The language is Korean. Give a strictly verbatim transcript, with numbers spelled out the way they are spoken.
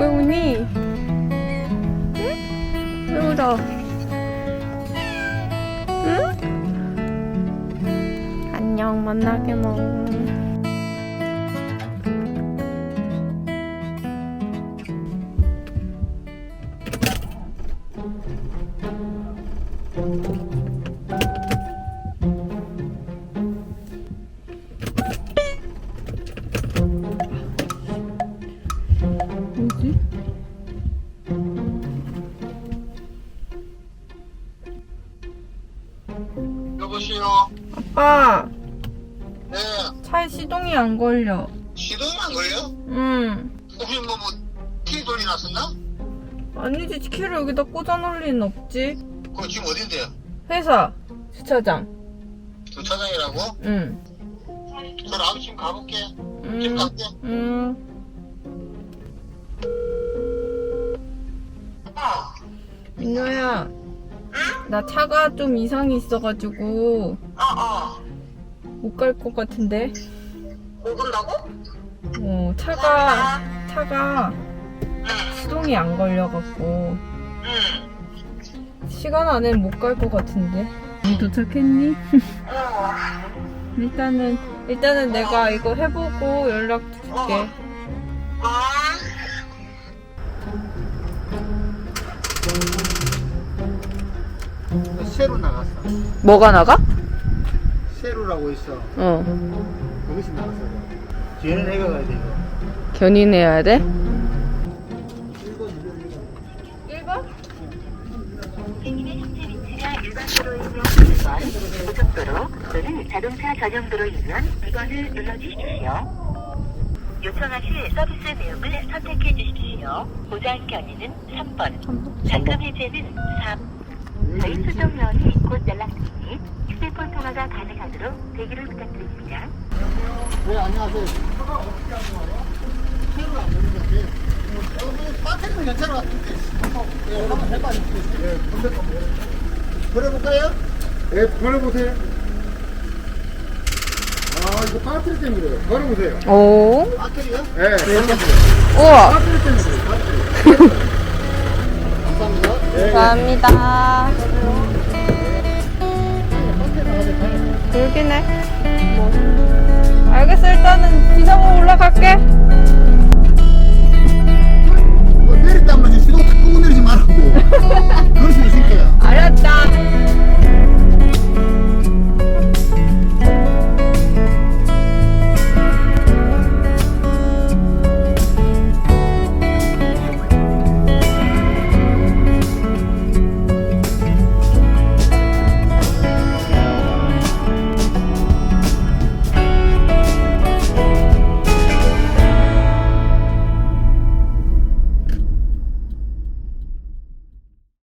왜 우니? 응? 왜 울어? 응? 안녕, 만나게 먹. 뭐지? 여보세요? 아빠, 네. 차에 시동이 안 걸려. 시동이 안 걸려? 응. 혹시 뭐, 뭐, 키 소리 났었나? 아니지, 키를 여기다 꽂아놓을 리는 없지. 그거 지금 어딘데요? 회사, 주차장. 주차장이라고? 응. 저 나도 지금 가볼게. 응. 지금 갈게. 응. 어. 민호야, 나 차가 좀 이상이 있어가지고 어, 어. 못 갈 것 같은데. 못 온다고? 어, 차가 차가 응. 시동이 안 걸려갖고 응. 시간 안에 못 갈 것 같은데. 니 도착했니? 어. 일단은 일단은 내가 이거 해보고 연락 줄게. 어. 새로 나갔어. 뭐가 나가? 새로라고 있어. 어. 거기서 나갔어. 뒤에는 애가 가야 돼, 이거. 견인해야 돼? 일 번? 행인의 현재 위치가 일반도로이면 일 번, 고속도로 또는 자동차 전용도로이면 이 번을 눌러주십시오. 요청하실 서비스 내용을 선택해 주십시오. 보장 견인은 삼 번, 잔금 해제는 사 번. 저희 수정 요원이 곧 연락드리니 휴대폰 통화가 가능하도록 대기를 부탁드립니다. 네, 안녕하세요. 차가 어떻게 하는 거예요? 새로 안 되는 것 같아요. 여기 배터리는 괜찮은 것 같은데. 예, 한번 해봐 주시겠어요? 예, 검색 한번 걸어볼까요? 예, 걸어보세요. 아, 이거 배터리 때문에 그래요. 걸어보세요. 오. 배터리요? 예, 걸어보세요. 우와. 배터리 때문에 그래요, 배터리. 감사합니다. 예, 감사합니다. 그러긴 해. 뭐. 알겠어, 일단은 기사 먹으러